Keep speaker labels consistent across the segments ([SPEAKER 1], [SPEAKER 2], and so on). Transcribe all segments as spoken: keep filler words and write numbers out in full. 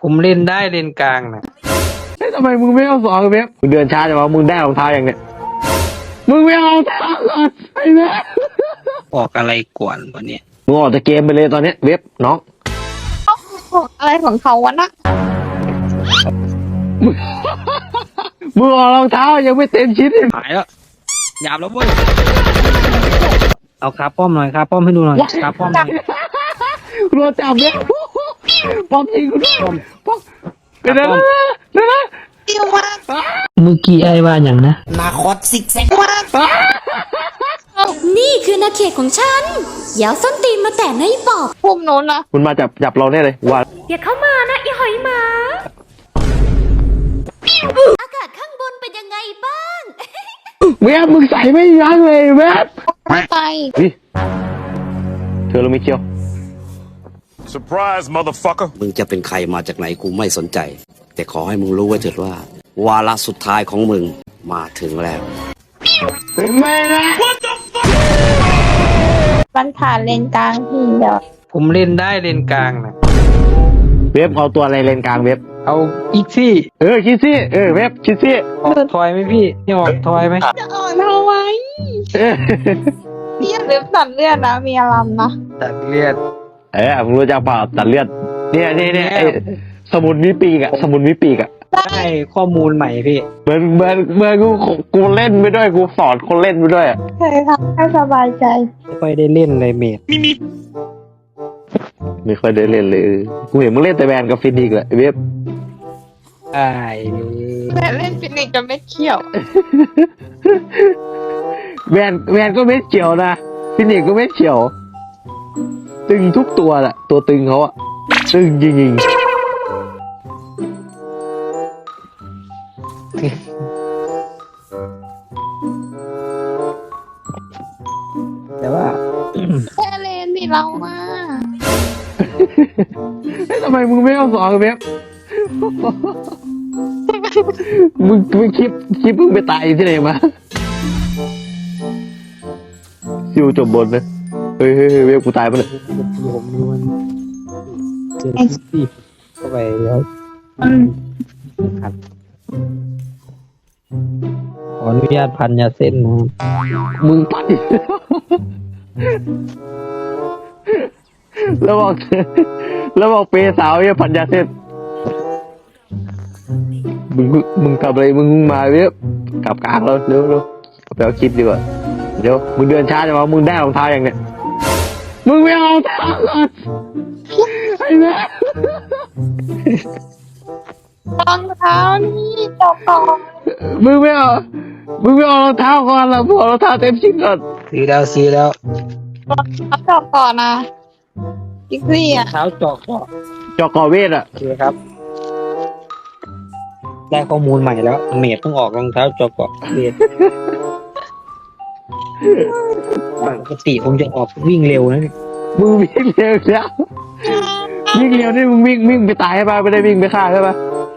[SPEAKER 1] ผมเล่นได้เล่นกลางนะ
[SPEAKER 2] เฮ้ยทำไมมึงไม่เอาสองเว็บมึงเดินช้าจังวะมึงได้รองเท้าอย่างเนี้ยมึงไม่เอารองเท้าก่อนไอ้เว็บ
[SPEAKER 1] ออกอะไรก่อนวันนี้
[SPEAKER 2] มึงออกจากเกมไปเลยตอนเนี้ยเว็บน้อง
[SPEAKER 3] อะไรของเขาวะนะ
[SPEAKER 2] มึงออกรองเท้ายังไม่เต็มชิ้นเลย
[SPEAKER 1] หายแล้วหยาบแล้วเว้ยเอาคาป้อมหน่อยคาป้อมให้ดูหน่อยคาป้อมหน่อย
[SPEAKER 2] รัวจับเนี่ยป้อมยิงกูด้วยป้อมเป็นอะไรนะเป็นอะไร
[SPEAKER 3] เตี้ยวมาก
[SPEAKER 1] เมื่อกี้ไอ้ว่าอย่างนะ
[SPEAKER 3] นาคอตซิกแซกมาก
[SPEAKER 4] นี่คือนาเขตของฉันอย่าเอาส้นตีนมาแตะนะไอ้ปอบ
[SPEAKER 3] พุ่มโน้นนะ
[SPEAKER 2] คุณมาจับจับเราแน่เลยว่า
[SPEAKER 4] อย่าเข้ามานะไอ้หอยหมาอากาศข้างบนเป็นยังไงบ้าง
[SPEAKER 2] เว็บมึงใส่ไม่ยั้งเลยเว็บ
[SPEAKER 3] ไป
[SPEAKER 2] นี่เธอรู้ไหมเชียว
[SPEAKER 5] Surprise motherfucker
[SPEAKER 6] มึงจะเป็นใครมาจากไหนกูไม่สนใจแต่ขอให้มึงรู้ไว้เถิดว่าวาระสุดท้ายของมึงมาถึงแล้ว
[SPEAKER 2] ไม่นะ
[SPEAKER 3] มันผ่านเลนกลางพี่เดี๋ยว
[SPEAKER 1] ผมเล่นได้เล่นกลางนะ
[SPEAKER 2] เว็บเอาตัวอะไรเลนกลางเว็บ
[SPEAKER 1] เอาอีกซี่
[SPEAKER 2] เออคิดซี่เออเว็บคิดซี่
[SPEAKER 1] ออกทอยไหมพี่นี่ออกทอยไหม
[SPEAKER 3] จะออกทำไมเลือดหรือตัดเลือดนะมีอารมณ์นะ
[SPEAKER 1] ตัดเลือด
[SPEAKER 2] เออมึงรู้จักเปล่าตัดเลือดเนี่ยเนี่ยเนี่ยสมุนวิปีกอะสมุนวิปีกอะ
[SPEAKER 1] ได้ข้อมูลใหม่พี่
[SPEAKER 2] เหมือนเหมือนเหมือนกูกูเล่นไปด้วยกูสอนคนเล่นไปด้วยอะ
[SPEAKER 3] ใช่ครับให้สบายใจ
[SPEAKER 1] ไม่ค่อยได้เล่นเลยเมด
[SPEAKER 2] ไม่ค่อยได้เล่นเลยกูเห็นมึงเล่นแต่แบนกับฟินิกส์แหละเว็บ
[SPEAKER 1] ไอ้
[SPEAKER 3] แต่เล่นฟินิกส์จะไม่เขี่ยว
[SPEAKER 2] แบนแบนก็ไม่เฉียวนะฟินิกส์ก็ไม่เฉียวตึงทุกตัวแหละตัวตึงเขาอะตึงจริงๆ
[SPEAKER 1] แต่ว่า
[SPEAKER 3] แค่เล่นที่เรามา
[SPEAKER 2] ทำไมมึงไม่เอาสองเว็บมึงมึงคลิปคลิปมึงไปตายที่ไหนมาซิวจบบนนะเฮ้ยเฮ้ยเว็บกูตายไปเลย
[SPEAKER 1] ผมดูมันเจอที่เข้าไปแล้วครับขออนุญาตพันยาเส้นนะ
[SPEAKER 2] มึงไปแล้วบอกแล้วบอกเปย์สาวเนี่ยพันยาเส้นมึงมึงกลับอะไรมึงมาเว็บกลับกลางแล้วเร็วเร็วไปเอาคลิปดีกว่าเดี๋ยวมึงเดินช้าจังวะมึงได้รองเท้าอย่างเนี้ยมึงไม่เอารองเท้าก่อนไอ้แม่
[SPEAKER 3] รองเท้านี่จบก่อน
[SPEAKER 2] มึงไม่เอามึงไม่เอารองเท้าก่อนละมึงเอารองเท้าเต็มชิ้นก่อน
[SPEAKER 1] ซื้อแล้วซื้อแล้ว
[SPEAKER 3] รองเท้าจบก่อนนะอีกซี่อ่ะ
[SPEAKER 1] เท้าจอกก็
[SPEAKER 2] จอกกอเวทอ่ะ
[SPEAKER 1] โอเคครับได้ข้อมูลใหม่แล้วเมดต้องออกรองเท้าจอกกอเวทปกติผมจะออกวิ่งเร็วนะ
[SPEAKER 2] มึงวิ่งเร็วแล้ววิ่งเร็วนี่มึงวิ่งวิ่งไปตายใช่ป่ะไม่ได้วิ่งไปฆ่าใช่ป่ะ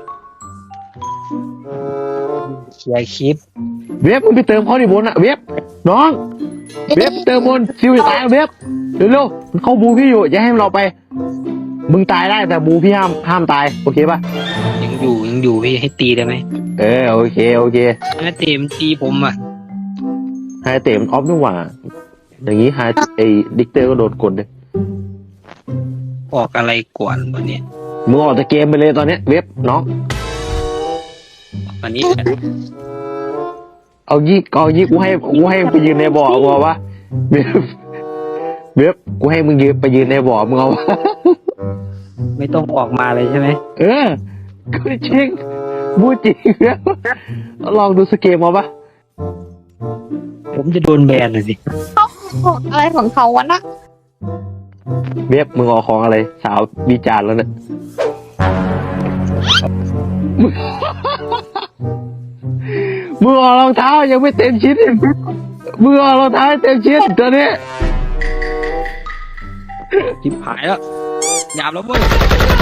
[SPEAKER 1] อย่าคิด
[SPEAKER 2] เว็บมึงไปเติมเขาดิบนอ่ะเว็บน้องเว็บเติมบนซิวจะตายเว็บเร็วๆเขาบูพี่อยู่อย่าให้เราไปมึงตายได้แต่บูพี่ห้ามห้ามตายโอเคป่ะ
[SPEAKER 1] ยังอยู่ยังอยู่พี่ให้ตีได้ไหม
[SPEAKER 2] เออโอเคโอเค
[SPEAKER 1] ให้เตะมันตีผมอ่ะ
[SPEAKER 2] ให้เตะมันออฟดีกว่าอย่างนี้ฮาไอ้ดิกเตอร์ก็โดนกดเลย
[SPEAKER 1] ออกอะไรก่อนวันนี้
[SPEAKER 2] มึงออกจากเกมไปเลยตอนเนี้ยเว็บน้อง
[SPEAKER 1] วันนี้
[SPEAKER 2] เอายี่เอายี่กูให้กูให้ไปยืนในบ่อมึงเอาวะเว็บเว็บกูให้มึงยืนไปยืนในบ่อมึงเอาวะ
[SPEAKER 1] ไม่ต้องออกมาเลยใช่ไหม
[SPEAKER 2] เออกูจริงบูจริงแล้วลองดูสเกมเอาปะ
[SPEAKER 1] ผมจะโดนแบนเลยสิ
[SPEAKER 3] อะไรของเขาวะนะ
[SPEAKER 2] เว็บมึงออกของอะไรสาววิจารณ์แล้วเนี่ยมึงออกรองเท้ายังไม่เต็มชิ้นมึงออกรองเท้าเต็มชิ้นตัวนี้
[SPEAKER 1] จิบหายแล้วหยาบแล้วเว้ย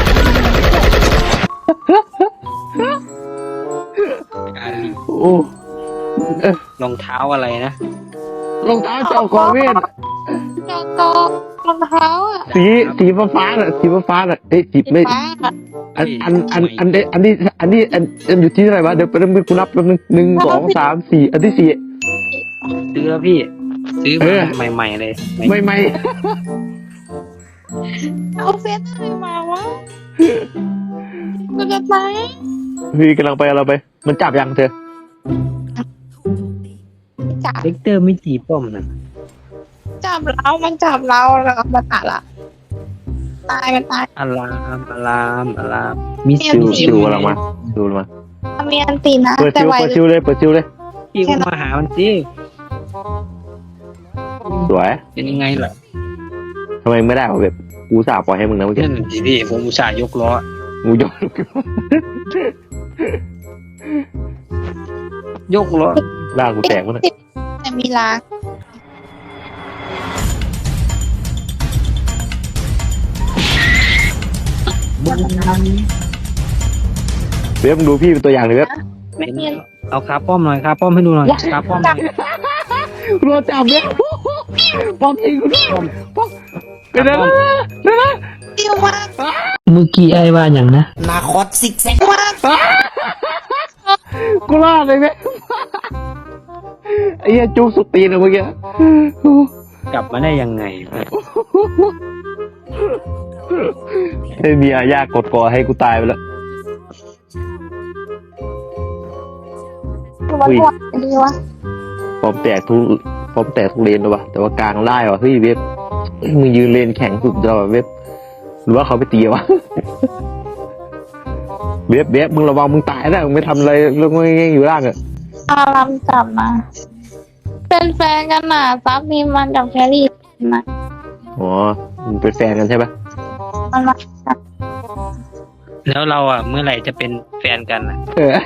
[SPEAKER 2] โอ้
[SPEAKER 1] รองเท้าอะไรนะ
[SPEAKER 2] รองเท้าจอกกอเวท
[SPEAKER 3] จอกกอรองเท้าอ่ะ
[SPEAKER 2] สีสีฟ้าฟ้าน่ะสีฟ้าฟ้าน่ะเอ้ยจีบ
[SPEAKER 3] สี
[SPEAKER 2] ไม่
[SPEAKER 3] ฟ้าอะ
[SPEAKER 2] อันอันอันอันอันนี้อันนี้อันอันอยู่ที่เท่าไหร่วะเดี๋ยวไปเริ่มกูนับแป๊บนึงหนึ่งสองสามสี่อันที่สี่
[SPEAKER 1] ซื้อแล้วพี่ ซื้อ
[SPEAKER 2] เอ
[SPEAKER 1] มา
[SPEAKER 2] อ
[SPEAKER 1] ใหม่ๆเลย
[SPEAKER 2] ไม่ไม่
[SPEAKER 3] เอาเซตอะไรมาวะกูจะตาย
[SPEAKER 2] พี่กำลังไปกำลังไป มันจับยังเธอ
[SPEAKER 3] จับ
[SPEAKER 1] เล็กเตอร์ไม่จีบป้อมนะ
[SPEAKER 3] จับเรามันจับเราแล้วก็มาตัดละตายมันตาย
[SPEAKER 1] อารามอารามอารามมี
[SPEAKER 3] เนี่ย
[SPEAKER 2] ชิว
[SPEAKER 1] ซิ
[SPEAKER 2] ชิ
[SPEAKER 1] ว
[SPEAKER 2] วกำลังมาชิวกำลังมา
[SPEAKER 3] มีอันตีนะ
[SPEAKER 2] เปิด
[SPEAKER 3] แต่
[SPEAKER 2] ชิว
[SPEAKER 3] ไว
[SPEAKER 2] เปิดชิวเลยเปิดชิวเลย
[SPEAKER 1] พี่ก็มาหามันสิ
[SPEAKER 2] สวย
[SPEAKER 1] เป็นยังไงล่ะ
[SPEAKER 2] ทำไมไม่ได้วะแบบกูสาบปล่อยให้มึงนะเมื่อกี้
[SPEAKER 1] นั่นสิพี่ผมอุตส่าห์ยกล้อ
[SPEAKER 2] กูยอม
[SPEAKER 1] ยกล้อ
[SPEAKER 2] ร่างกูแตกมั้ง
[SPEAKER 3] แต่มีล้าง
[SPEAKER 2] เว็บมึงดูพี่เป็นตัวอย่างเลยเว็บ
[SPEAKER 3] ไม่มี
[SPEAKER 1] เอาคาป้อมหน่อยคาป้อมให้ดูหน่อยคาป้อมหน่อย
[SPEAKER 2] กูโดนจับเว็บป้อมยิงกูป้อมเป็นอะไรนะเป็นอะไร
[SPEAKER 3] เตี้ยวมาก
[SPEAKER 1] เมื่อกี้ไอ้ว่าอย่างนะ
[SPEAKER 3] มาก
[SPEAKER 2] กูรอดเลยเว็บไอ้เหี้ยจุกสุดตีนอะเมื่อกี้
[SPEAKER 1] กลับมาได้ยังไง
[SPEAKER 2] ไอ้เมียยากกดกอให้กูตายไปแล้ว
[SPEAKER 3] ตัวตัวดีวะ
[SPEAKER 2] ปอมแตกทุกปอมแตกทุกเลนเลยวะแต่ว่ากลางไล่วะเฮ้ยเว็บมึงยืนเลนแข็งสุดยอดเว็บหรือว่าเขาไปตีวะ เว็บเว็บมึงระวังมึงตายนะมึงไม่ทำอะไรเรื่องง่ายๆอยู่ล่างอะ
[SPEAKER 3] อารามจับมา เป็นแฟนกันน่ะซับมีมันกับแครี่นะ
[SPEAKER 2] อ๋อมึงเป็นแฟนกันใช่ปะ
[SPEAKER 3] มันมา
[SPEAKER 1] แล้วเราอ่ะเมื่อไหร่จะเป็นแฟนกันอ่ะ
[SPEAKER 2] เออ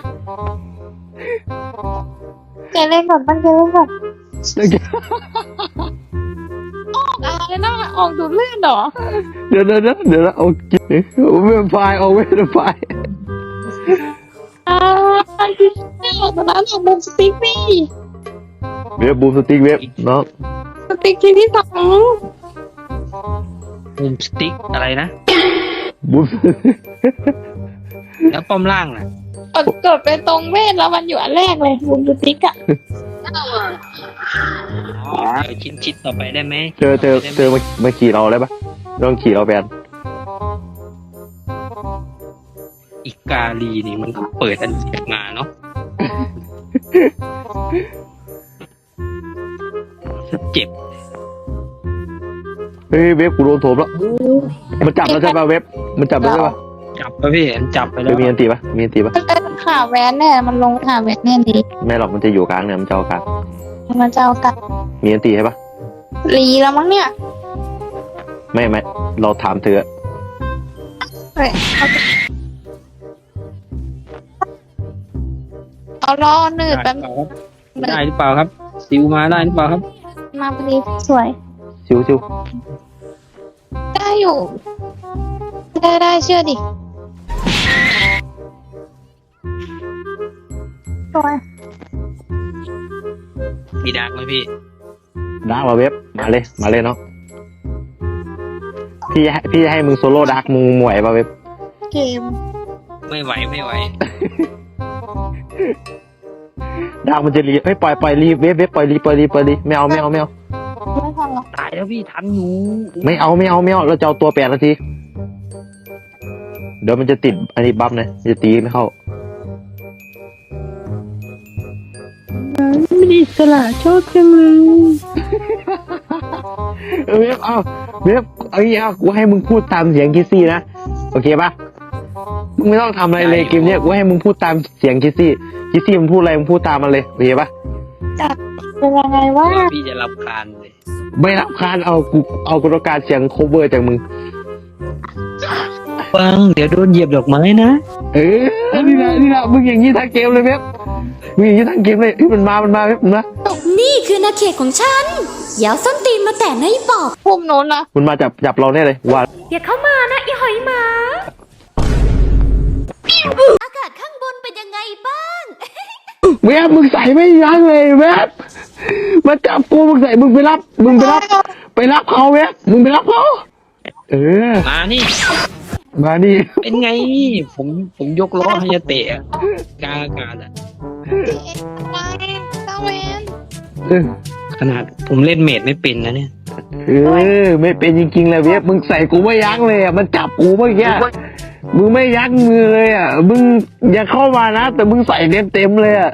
[SPEAKER 3] เจเล่นก่อนมันเจเล่นก่อนออกอะไรนะออกดูดเลือดเหรอ
[SPEAKER 2] เดี๋ยวเดี๋ยวเดี๋ยวเดี๋ยวเอากินเว็บไฟล์เอาเว็บไฟล์
[SPEAKER 3] อ่าที่ไม่ออกตอนนั้นออกบนสติ๊กนี่
[SPEAKER 2] เว็บบูมสติ๊กเว็บเนาะ
[SPEAKER 3] สติ๊กที่ที่สอง
[SPEAKER 1] บูมสติ๊กอะไรนะ
[SPEAKER 2] บูม
[SPEAKER 1] แล้วป้อมล่างน่ะ
[SPEAKER 3] กดกดไปตรงเวทแล้วมันอยู่อันแรกเลยบนสติ๊กอะ
[SPEAKER 1] เดี๋ยวชิ้นชิดต่อไปได้ไหม
[SPEAKER 2] เจอเจอเจอมามาขี่เราได้ปะลองขี่เราแบน
[SPEAKER 1] อีกาลีนี่มันก็เปิดอันเจ็บมาเนาะเจ็บ
[SPEAKER 2] เฮ้ยเว็บกูโดนโถมแล้วมันจับแล้วใช่ปะเว็บมันจับแล้วใช่ปะ
[SPEAKER 1] จับไปพี่มันจับไปแล้
[SPEAKER 2] เว็
[SPEAKER 1] ว
[SPEAKER 2] บมีอันตีปะมีอันตีปะ
[SPEAKER 3] มันเป็นขาแวนแน่มันลงขาแวนแน่ดี
[SPEAKER 2] ไม่หรอกมันจะอยู่กลางเนี่ยมันจะเอากลาง
[SPEAKER 3] มันจะเอากลับ
[SPEAKER 2] มีอันตีใช่ปะ
[SPEAKER 3] รีแล้วมั้งเนี่ย
[SPEAKER 2] ไม่ไม่เราถามเธอ
[SPEAKER 3] เฮ้ยเอาไปเอารอหนืดแป๊บ
[SPEAKER 1] ได้หรือเปล่าครับซิวมาได้หรือเปล่าครับ
[SPEAKER 3] มาพอดีสวย
[SPEAKER 2] ชิวชิว
[SPEAKER 3] ได้อยู่ ได้ได้เชื่อดิสวย
[SPEAKER 1] มีดักไหมพี่
[SPEAKER 2] ดักมาเว็บมาเลยมาเลยเนาะพี่ให้พี่ให้มึงโซโล่ดักมึงหมวยปะเว็บ
[SPEAKER 3] เกม
[SPEAKER 1] ไม่ไหวไม่ไหว
[SPEAKER 2] ดักมันจะรีเฮ้ยปล่อยปล่อยรีเว็บเว็บปล่อยรีปล่อยรีปล่อยรีไม่เอาไม่เอาไม่เอา
[SPEAKER 3] ไม่ทันหรอก
[SPEAKER 1] ตายแล้วพี่ทันอยู่
[SPEAKER 2] ไม่เอาไม่เอาไม่เอาเราจะเอาตัวแปดนาทีเดี๋ยวมันจะติดอันนี้บัฟนะมันจะตีไม่เข้า
[SPEAKER 1] ไม่ได้สละชอบจังเลย
[SPEAKER 2] เออเว็บเอาเว็บเอาอย่างเงี้ยกูให้มึงพูดตามเสียงคิสซี่นะโอเคปะมึงไม่ต้องทำอะไรเลยเกมเนี้ยกูให้มึงพูดตามเสียงคิสซี่คิสซี่มันพูดอะไรมึงพูดตามมันเลยโอเคปะ
[SPEAKER 3] เป็นยังไงวะ
[SPEAKER 1] พี่จะรับคานเลย
[SPEAKER 2] ไม่รับคานเอากูเอากระการเสียงโคเวอร์จากมึง
[SPEAKER 1] ฟังเดี๋ยวโดนเหยียบดอกไม้นะ
[SPEAKER 2] เออนี่นะนี่นะมึงอย่างนี้ทั้งเกมเลยเว็บมึงอย่างนี้ทั้งเกมเลยที่มันมามันมาเว็บมึงนะ
[SPEAKER 4] นี่คือนาเขตของฉันอย่าเอาส้นตีนมาแตะนะไอ้ปอบ
[SPEAKER 3] พุ่มโน้นนะ
[SPEAKER 2] มันมาจับจับเราแน่เลยว่า
[SPEAKER 4] อย่าเข้ามานะไอ้หอยหมา อากาศข้างบนเป็นยังไงบ้าง
[SPEAKER 2] เว็บมึงใส่ไม่ยั้งเลยเว็บมาจับกูมึงใส่มึงไปรับมึงไปรับไปรับเขาเว็บมึงไปรับเขาเออ
[SPEAKER 7] มานี่
[SPEAKER 2] มานี่
[SPEAKER 7] เป็นไง ผมผมยกล้อให้จะเตะอะกลางอากาศอะ
[SPEAKER 3] อะไรตาเวน
[SPEAKER 2] เออ
[SPEAKER 7] ขนาดผมเล่นเมดไม่เป็นนะเนี่ย
[SPEAKER 2] เออไม่เป็นจริงๆเลยเว็บมึงใส่กูไม่ยั้งเลยอ่ะมันจับกูเมื่อกี้มึงไม่ยั้งมือเลยอ่ะมึงอย่าเข้ามานะแต่มึงใส่เต็มเต็มๆเลยอ่ะ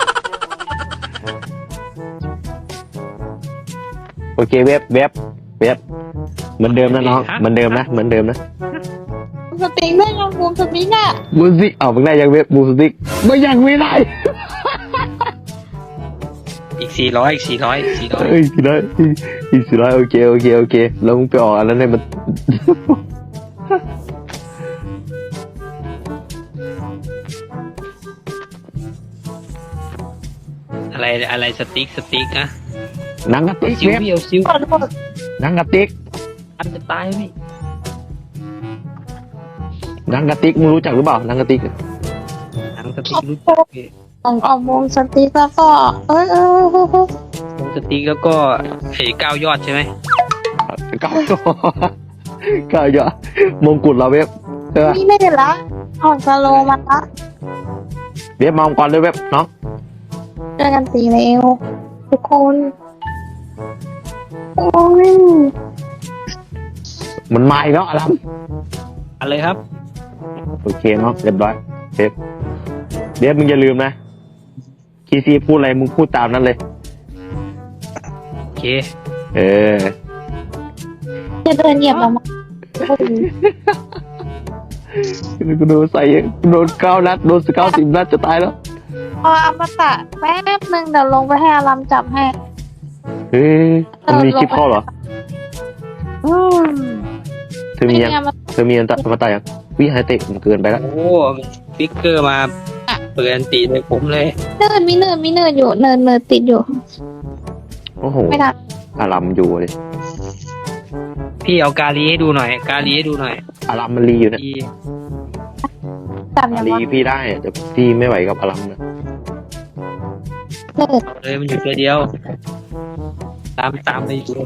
[SPEAKER 2] โอเคเว็บเว็บเว็บเหมือนเดิมนะน้องเหมือนเดิมนะเหมือนเดิมนะ
[SPEAKER 3] สติงได้ยังบูมสติงอ่ะ
[SPEAKER 2] บูสติกเอามึงได้ยังเว็บบูสติกไม่ยังไม่ได้
[SPEAKER 7] อีกสี่ร้อยอีกสี่ร้อยสี่ร้อย
[SPEAKER 2] เอ้ยสี่ร้อยอีกสี่ร้อยโอเคโอเคโอเคแล้วมึงไปออกอันนั้นเนี่ยมัน
[SPEAKER 7] อะไรอะไรสติ๊กสติ๊กนะ
[SPEAKER 2] หนังกระติก
[SPEAKER 7] ซิว
[SPEAKER 2] เว็บ
[SPEAKER 7] พี่เอาซิว
[SPEAKER 3] ขอโทษ
[SPEAKER 2] หนังกระติก
[SPEAKER 7] อันจะตายพี่
[SPEAKER 2] หนังกระติกมึงรู้จักหรือเปล่าหนังกระติก
[SPEAKER 7] หนังสติ๊กรู้จักพี่
[SPEAKER 3] ของเอาบูมสติงแล้วก็เอ้ยเอ้ยเอ้ยเอ้ย
[SPEAKER 7] หนังสติ๊กแล้วก็ไอ้เก้ายอดใช่ไหม
[SPEAKER 2] เก้าย่อเก้าย่อมงกุฎเราเว็บใช่ปะ
[SPEAKER 3] นี่ไม่ได้ละออกสโลว์มาละ
[SPEAKER 2] เว็บมองก่อนเลยเว็บน้อง
[SPEAKER 3] เจอกันตีเร็วทุกคนโอ้ย
[SPEAKER 2] มันมาอีกแล้วอลัม
[SPEAKER 7] อะไรครับ
[SPEAKER 2] โอเคเนาะเรียบร้อยเว็บเว็บมึงอย่าลืมนะคีซีพูดอะไรมึงพูดตามนั้นเลย
[SPEAKER 7] โอเค
[SPEAKER 2] เออ
[SPEAKER 3] จะเดินเหยียบเรามา
[SPEAKER 2] กูโดนใส่โดนเก้านัดโดนเก้าสิบนัดจะตายแล้ว
[SPEAKER 3] พออมตะแป๊บนึงเดี๋ยวลงไปให้อารัมจับให้
[SPEAKER 2] เฮ้ยมันมีคลิปเข้าเหรอ
[SPEAKER 3] อืม
[SPEAKER 2] เธอมียัง
[SPEAKER 3] เนี่ยมัน
[SPEAKER 2] เธอมีอันตะมาตายยังวิหายเตะมันเกินไปแล้ว
[SPEAKER 7] โอ้ฟิกเกอร์มาเปิดอันตีเลยผมเลย
[SPEAKER 3] เนินมีเนินมีเนินอยู่เนินเนินติดอยู่
[SPEAKER 2] โอ้โห
[SPEAKER 3] ไม่ทัน
[SPEAKER 2] อารัมอยู่เลย
[SPEAKER 7] พี่เอากาลีให้ดูหน่อย กาลีให้ดูหน่อย
[SPEAKER 2] อารัมมันรีอยู่นะ
[SPEAKER 7] พี่
[SPEAKER 3] จับ
[SPEAKER 2] อา
[SPEAKER 3] ยัง
[SPEAKER 2] รี
[SPEAKER 3] วะ
[SPEAKER 2] พี่ได้แต่พี่ไม่ไหวกับอารัมนะ
[SPEAKER 3] เนิน
[SPEAKER 7] เอาเลยมันอยู่ตัวเดียว ตามตามไปอยู่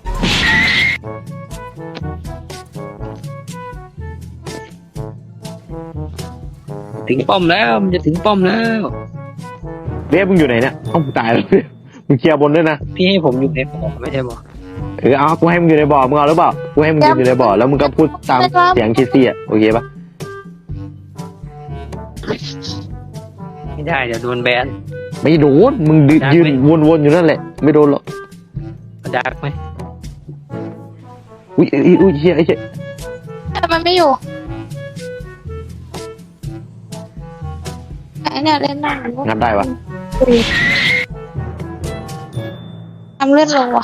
[SPEAKER 7] ถึงป้อมแล้วมันจะถึงป้อมแล้ว
[SPEAKER 2] เว็บมึงอยู่ไหนเนี่ยเอ้ามึงตายแล้วเว็บมึงเคลียร์บนด้วยนะ
[SPEAKER 7] พี่ให้ผมอยู่ในบ่อไม่ใช่บ่อ
[SPEAKER 2] เออเอากูให้มึงอยู่ในบ่อมึงเอาหรือเปล่ากูให้มึงยืนอยู่ในบ่อแล้วมึงก็พูดตามเสียงคิดซี่อ่ะโอเคปะ
[SPEAKER 7] ไม่ได้เดี๋ยวโดนแบน
[SPEAKER 2] ไม่โดนมึงยืน
[SPEAKER 7] ได้ไหม
[SPEAKER 2] ยืนวนๆอยู่นั่นแหละไม่โดนหรอก
[SPEAKER 7] ดักไหม
[SPEAKER 2] อุ้ยอุ้ยอุ้ยเชี่ยไอ้เชี่ย
[SPEAKER 3] แต่มันไม่อยู่ไอ้เนี่ยเล่นหนัง
[SPEAKER 2] งัดได้ปะ
[SPEAKER 3] ทำเลือดลงว่ะ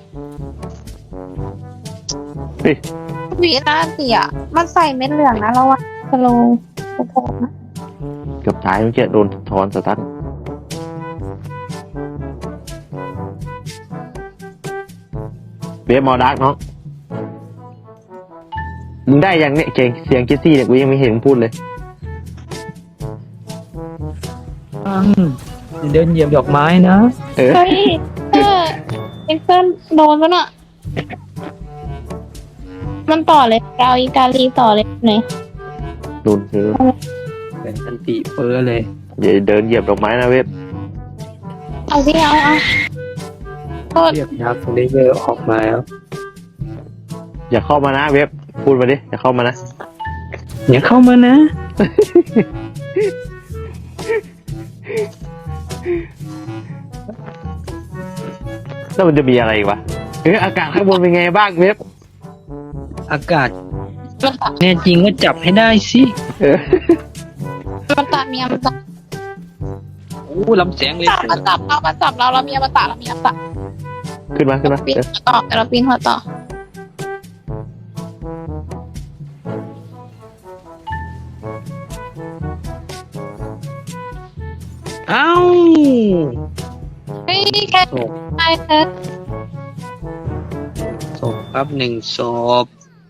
[SPEAKER 2] เฮ้ย
[SPEAKER 3] วีน่าเสียมันใส่เม็ดเหลืองนะเราอะสโลว์สโลว์นะ
[SPEAKER 2] เกือบตายเมื่อกี้โดนทอนสตันเว็บมอดักเนาะมึงได้ยังเนี่ยเก่งเสียงคิดซี่เนี่ยกูยังไม่เห็นมึงพูดเลย
[SPEAKER 7] เดินเหยียบดอกไม้นะ
[SPEAKER 2] เออ
[SPEAKER 3] เฮ้ยเออเอ็กเซนโดนปะน่ะมันต่อเลยเราอีกาลีต่อเลยไหน
[SPEAKER 2] โดนเออ
[SPEAKER 7] เป็นอันติเปื้อเลย
[SPEAKER 2] อย่าเดินเหยียบดอกไม้นะเว็บ
[SPEAKER 3] เอาสิเอาเอาโทษ
[SPEAKER 7] เรียบยักษ์เลเยอร์ออกมาแล้ว
[SPEAKER 2] อย่าเข้ามานะเว็บพูดมาดิอย่าเข้ามานะ
[SPEAKER 7] อย่าเข้ามานะ
[SPEAKER 2] แล้วมันจะมีอะไรอีกวะเอออากาศข้างบนเป็นไงบ้างเว็บ
[SPEAKER 7] อากาศ
[SPEAKER 3] มันตัด
[SPEAKER 7] แน่จริงก็จับให้ได้สิ
[SPEAKER 2] เออ
[SPEAKER 3] มันตัดเมียมันตัด
[SPEAKER 7] โอ้ลำแสงเลย
[SPEAKER 3] จับมันจับเรามันจับเราเราเมียมันตัดเราเมียมันตัด
[SPEAKER 2] ขึ้นมาขึ้นมา
[SPEAKER 3] ปีน
[SPEAKER 2] เออ
[SPEAKER 3] หัวต่อแต่เราปีนหัวต่อ
[SPEAKER 7] เอ้า
[SPEAKER 3] เฮ้ยแค่
[SPEAKER 7] ศพ
[SPEAKER 3] ตายเธอ
[SPEAKER 7] ศพครับหนึ่งศพ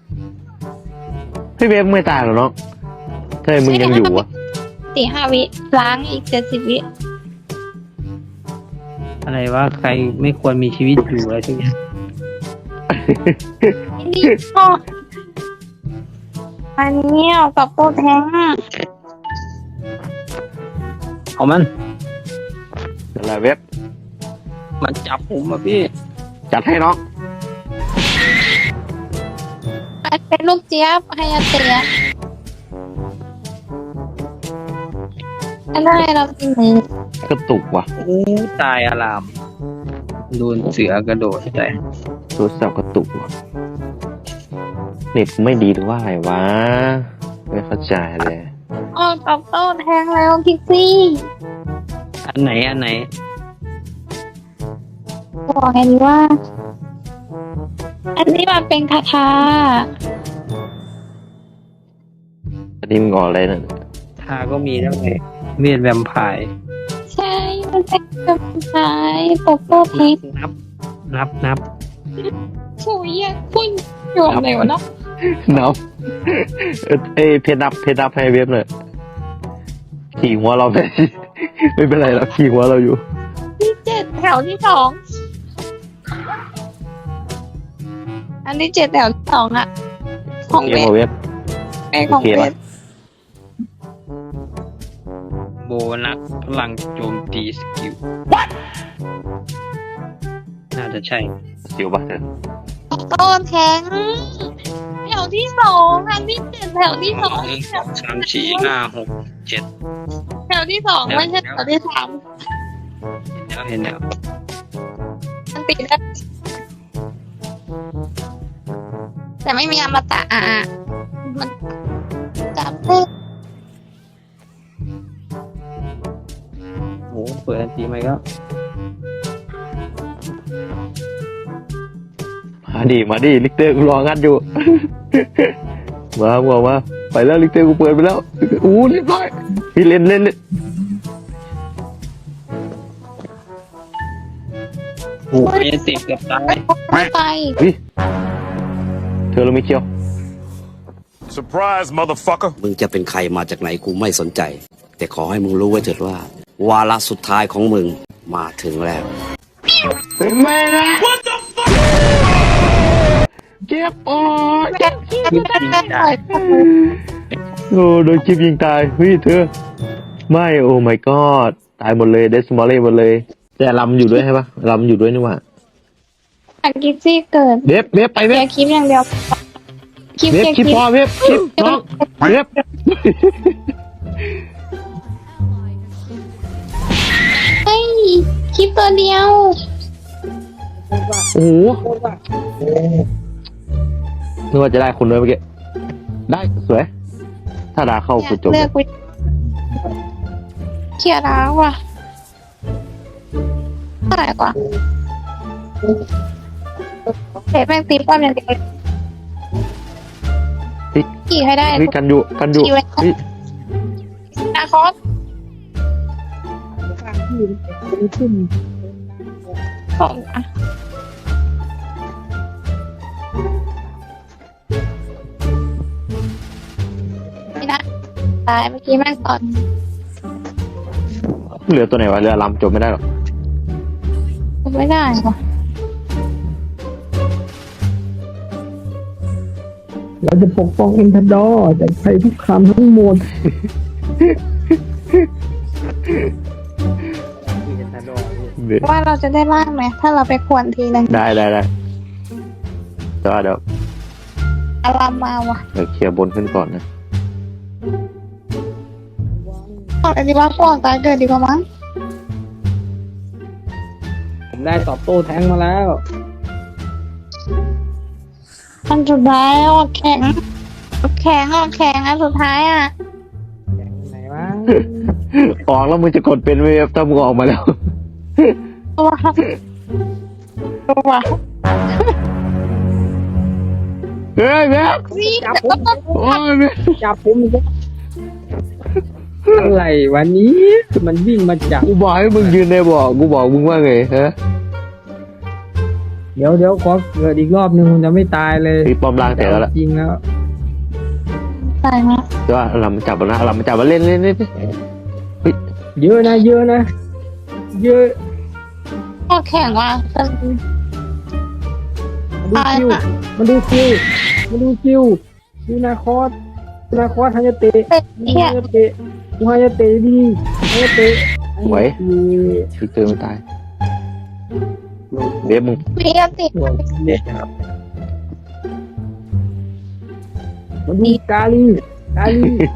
[SPEAKER 2] พี่เว็บไม่ตายหรอเนาะเฮ้ยมึงยังอยู่วะ
[SPEAKER 3] สี่ห้าวิล้างอีกเจ็ดสิบวิ
[SPEAKER 7] อะไรว่าใครไม่ควรมีชีวิตอยู่อะไรทุกอย่าง
[SPEAKER 3] นี่ก็อันนี้เอากับโปรแทงอะ
[SPEAKER 7] เอามัน
[SPEAKER 2] นั่นแหละเว็บ
[SPEAKER 7] มันจับผมอ่ะพี่
[SPEAKER 2] จัดให้น้อง
[SPEAKER 3] อันเป็นลูกเจี๊ยบให้อาเตียอันได้เราจริงไหม
[SPEAKER 2] กระตุกว่ะ
[SPEAKER 7] โอ้ตายอารามโดนเสือกระโดดใส่
[SPEAKER 2] โทรศัพท์กระตุกว่ะเน็ตไม่ดีหรือว่าอะไรวะไม่เข้าใจเลย
[SPEAKER 3] ออกกับโปรแทงแล้วพิกซี่
[SPEAKER 7] อันไหนอันไหน
[SPEAKER 3] บอกไงดีว่า อันนี้มันเป็นคาถา
[SPEAKER 2] อันนี้มึงออกอะไรนั่น
[SPEAKER 7] ทาก็มีแล้วไงเมียนแวมไพร์
[SPEAKER 3] ใช่มันเป็นคาถาปกโปรแทง
[SPEAKER 7] นับ นับนับ
[SPEAKER 3] ฉุยอ่ะพุ่งโยนเลยวะเนาะ
[SPEAKER 2] นับเอ้ยเอ้ยเพจนับเพจนับให้เว็บหน่อยขี่หัวเราไป ไม่เป็นไรหรอกขี่หัวเราอยู่
[SPEAKER 3] ที่เจ็ดแถวที่สองอันที่เจ็ดแถวที่สองอะของ
[SPEAKER 2] เกม
[SPEAKER 3] เว
[SPEAKER 2] ของเว็บ
[SPEAKER 3] เป็นของ
[SPEAKER 2] โอเค
[SPEAKER 3] เว
[SPEAKER 2] ปะ
[SPEAKER 7] โบนัสพลังโจมตีสกิลน่าจะใช่
[SPEAKER 2] สิวปะเธอ
[SPEAKER 3] ต้นแทงแถวที่สองอันที่เจ็ดแถวที่สอง
[SPEAKER 7] หนึ่งสองสามสี่ห้าหกเจ็ด
[SPEAKER 3] แถวที่สองไม่ใช่แถวที่สาม
[SPEAKER 7] แล้วเห็นแล้ว
[SPEAKER 3] มันติดแล้วแต่ไม่มีอมตะอ่ะมันจับได้
[SPEAKER 7] โหเปิดอันตีไหมก็
[SPEAKER 2] มาดิมาดิลิกเตอร์กูรองัดอยู่ มามามาไปแล้วลิกเตอร์กูเปิดไปแล้วอู้เรียบร้อยพี่เล่นเล่นเล่น
[SPEAKER 7] โอ้ยติดเกือบตาย
[SPEAKER 3] ไป
[SPEAKER 2] เฮ้ยเธอเราไม่เคี้ยว
[SPEAKER 5] Surprise, motherfucker.
[SPEAKER 6] มึงจะเป็นใครมาจากไหนกูไม่สนใจ แต่ขอให้มึงรู้ไว้เถิดว่า วาระสุดท้ายของมึงมาถึงแล้ว
[SPEAKER 2] ไม่นะเจ็บปอด
[SPEAKER 3] แม่ไม่ได้แม่ปล่อย
[SPEAKER 2] โอ้โดนคลิปยิงตายเฮ้ยเธอไม่โอ้ my god ตายหมดเลยเดสมอลเล่หมดเลย แต่ลำอยู่ด้วยใช่ปะลำอยู่ด้วยนี่หว่า
[SPEAKER 3] อันกิฟซี่เกิด
[SPEAKER 2] เว็บเว็บไป
[SPEAKER 3] เดี
[SPEAKER 2] เว็
[SPEAKER 3] ย
[SPEAKER 2] บ
[SPEAKER 3] คลิปอย่างเดียวคลิป
[SPEAKER 2] เว็บ
[SPEAKER 3] เดียว
[SPEAKER 2] คลิป
[SPEAKER 3] คลิป
[SPEAKER 2] พอเว็บคลิปน้องเว็บ
[SPEAKER 3] เฮ้ยคลิปตัวเดียว
[SPEAKER 2] โอ้โหนึกว่าจะได้คนด้วยเมื่อกี้ได้สวยถ้าดาเข้ากูจบ
[SPEAKER 3] เลือกวิเขียร์แล้วว่ะเท่าไหร่กว่าเห็นแม่งตีป้อมอย่างเดียวขี่ให้ได้
[SPEAKER 2] เฮ้ยกันอยู่กันอยู่เฮ้ย
[SPEAKER 3] นาคอสของอ่ะนี่นะตายเมื่อกี้แม่งตอน
[SPEAKER 2] เหลือตัวไหนวะเรือลำจบไม่ได้หรอก
[SPEAKER 3] ไม่ได้ว่ะ
[SPEAKER 1] เราจะปกป้องเอ็นทดอร์จากภัยทุกคำทั้งหมด
[SPEAKER 3] ว่าเราจะได้ล่างไหมถ้าเราไปขวนทีนึง
[SPEAKER 2] ได้ได้ได้แต่ว่าเดี๋ยว
[SPEAKER 3] อารามมาว่ะ
[SPEAKER 2] เดี๋ยวเคลียร์บนขึ้นก่อนนะ
[SPEAKER 3] ออกอะไรดีว่าฟอกตายเกิดดีกว่ามั้ง
[SPEAKER 7] ผมได้ตอบโต้แทงมาแล้ว
[SPEAKER 3] อันสุดท้ายออกแข็งออกแข็งออกแข็งอันสุดท้ายอ่ะ
[SPEAKER 7] ไหนวะ
[SPEAKER 2] ออกแล้วมึงจะกดเป็นไหมครับถ้ามึงออกมาแล้ว
[SPEAKER 3] ตัวตัว
[SPEAKER 2] เฮ้ยแม่
[SPEAKER 3] นี่แต่ก็ต้อง
[SPEAKER 2] โอ้ยแม่
[SPEAKER 7] จับผมอีกแล้วอะไรวันนี้มันวิ่งมาจับ
[SPEAKER 2] กูบอกให้มึงยืนในบ่อกูบอกมึงว่าไงฮะ
[SPEAKER 7] เดี๋ยวเดี๋ยวขอเกิดอีกรอบนึงมันจะไม่ตายเลย
[SPEAKER 2] ตีปอมล่างแต่แล้วล่ะ
[SPEAKER 7] จริงแล้ว
[SPEAKER 3] ตายมา
[SPEAKER 2] แต่ว่าเรามาจับแล้วนะเรามาจับมาเล่นเล่นเล่น
[SPEAKER 7] เยอะนะเยอะนะเยอะ
[SPEAKER 3] ออกแข็งว่ะแต่
[SPEAKER 7] ม
[SPEAKER 1] ดูคิวมันดูคิวมันดูคิวดูนาคอสดูนาคอสฮายาเตะ
[SPEAKER 3] เฮ้ย
[SPEAKER 1] ดู
[SPEAKER 3] เฮีย
[SPEAKER 1] ฮายาเตะดูฮายาเตะดีฮายาเตะ
[SPEAKER 2] ไหวฟิกเตอร์ไม่ตายเวฟมึง
[SPEAKER 3] มีอันติ
[SPEAKER 1] หัวเนี่ยครับมันดูกาลีกาลี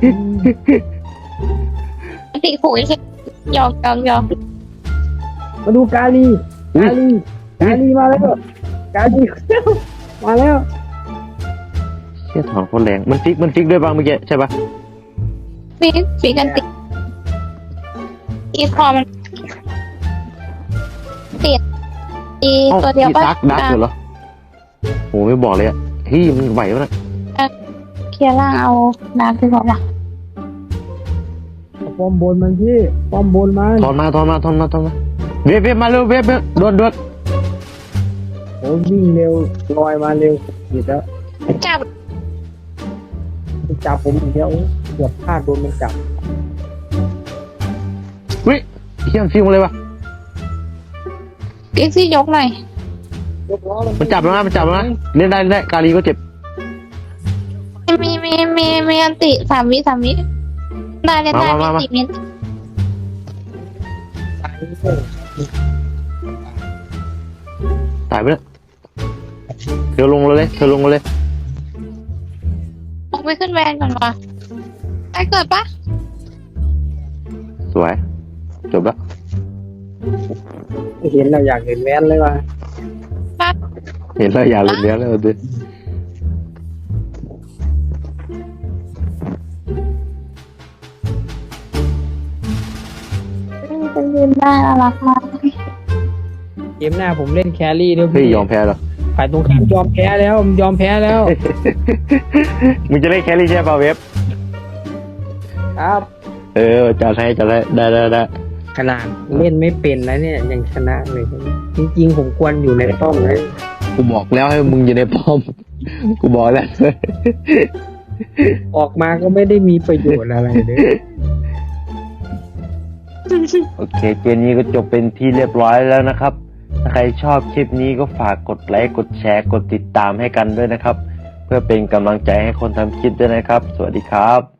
[SPEAKER 3] อันติขู่ใช่ยอมยอมยอม
[SPEAKER 1] มาดูกาลีกาลีกาลีมาแล้วกาลีมาแล้ว
[SPEAKER 2] เชี่ยถอนโคตรแรงมันฟิกมันฟิกด้วยบ้างเมื่อกี้ใช่ปะ
[SPEAKER 3] ฟีฟีกันติอีคอมันติดอี
[SPEAKER 2] เอ้า
[SPEAKER 3] ตัวเดียว
[SPEAKER 2] พี่
[SPEAKER 3] ป่ะ
[SPEAKER 2] ซักดักอยู่เหรอโหไม่บอกเลยอ่ะเฮ้ยมันไหววะนะ
[SPEAKER 3] เคลียร์ล่างเอาน้ำที่บอกว่า
[SPEAKER 1] ป้อมบนมันพี่ป้อมบนมัน
[SPEAKER 2] ถอนมาถอนมาถอนมาถอนมาเวฟเวฟมาเร็วเวฟเวฟด่วนด่วน
[SPEAKER 1] โอ้วิ่งเร็วลอยมาเร็วผิดแล้ว
[SPEAKER 3] จับ
[SPEAKER 1] จับผมอีกแล้วเกือบพลาดโดนมันจับ
[SPEAKER 2] เฮ้ยเฮี้ยมฟิวมาเลยวะ
[SPEAKER 3] กิ๊กซี่ยกหน่อย
[SPEAKER 1] ยกล้อ
[SPEAKER 2] มันจับแล้วนะมันจับแล้วนะเล่นได้เล่นได้กาลีก็เจ็บ
[SPEAKER 3] มีมีมีมีอันติสามวิสามวิได้ได้ได้มีสี่เมตร
[SPEAKER 2] ตายไปแล้วเธอลงเลยเลยเธอลงเลย
[SPEAKER 3] ลงไปขึ้นแวนก่อนวะไอเกิดปะ
[SPEAKER 2] สวยจบแล้ว
[SPEAKER 1] เห็นเราอยากเห็นแว้นเลยว่ะ
[SPEAKER 3] ปั๊บ
[SPEAKER 2] เห็นแล้วอยากเล่นเนี้ยแล้วดิ
[SPEAKER 3] เป็นยืนได้น่ารักมาก
[SPEAKER 1] เกมหน้าผมเล่นแครี่ด้วย
[SPEAKER 2] เฮ้ย
[SPEAKER 1] พี่
[SPEAKER 2] ยอมแพ้เหรอ
[SPEAKER 1] ฝ่ายตรงข้ามยอมแพ้แล้วยอมแพ้แล้ว
[SPEAKER 2] มึงจะเล่นแครี่ใช่ป่ะเวฟ
[SPEAKER 1] ครับ
[SPEAKER 2] เออจัดให้จัดให้ได้ได้ได้
[SPEAKER 1] ขนาดเล่นไม่เป็นแล้วเนี่ยยังชนะเลยจริงๆผมควรอยู่ในป้อมเลย
[SPEAKER 2] กูบอกแล้วให้มึงอยู่ในป้อม กูบอกแล้ว
[SPEAKER 1] ออกมาก็ไม่ได้มีประโยชน์อะไรเลย
[SPEAKER 2] โอเคเกมนี้ก็จบเป็นที่เรียบร้อยแล้วนะครับ ถ้าใครชอบคลิปนี้ก็ฝากกดไลค์กดแชร์กดติดตามให้กันด้วยนะครับ เพื่อเป็นกำลังใจให้คนทำคลิปด้วยนะครับ สวัสดีครับ